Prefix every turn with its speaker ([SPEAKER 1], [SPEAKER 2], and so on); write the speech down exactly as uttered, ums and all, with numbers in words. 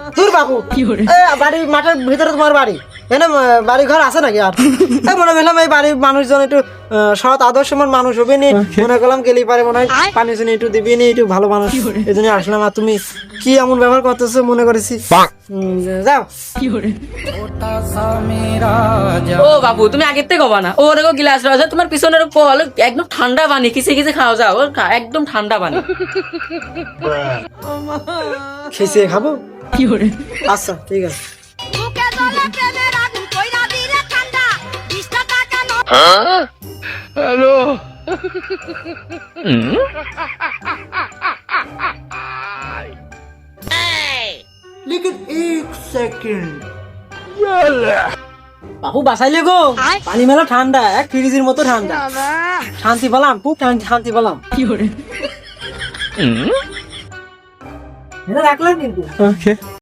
[SPEAKER 1] দূর বাবু এ বাড়ি মাঠের ভিতরে তোমার বাড়ি এনে বাড়ি ঘর আছে নাকি আর এই মনে করলাম এই বাড়ির মানুষজন একটু আহ, সৎ আদর্শমান মানুষ হবে নি মনে করলাম গেলেই পারে মনে হয় পানি শুনি একটু দিবি নি একটু ভালো মানুষ এই জন্য আসলাম আর তুমি কি এমন ব্যবহার করতেছো মনে করেছি উম, যাও
[SPEAKER 2] ও বাবু তুমি আগের থেকে কবা না ওর গিলাস রয়েছে তোমার পিছনের কল একদম ঠান্ডা পানি কিসে কিসে খাওয়া যাও ওর খা- একদম ঠান্ডা পানি
[SPEAKER 1] খেয়ে খাবো আচ্ছা ঠিক আছে
[SPEAKER 3] বুকে জ্বলে প্রেমের আগুন কইরা দিলে ঠান্ডা বিশটা টাকা ন
[SPEAKER 1] लेकिन एक सेकंड বাবু বাসাইলে গো পানি মেলা ঠান্ডা এক ফ্রিজের মতো ঠান্ডা শান্তি পেলাম খুব শান্তি শান্তি পেলাম এটা রাখলাম কিন্তু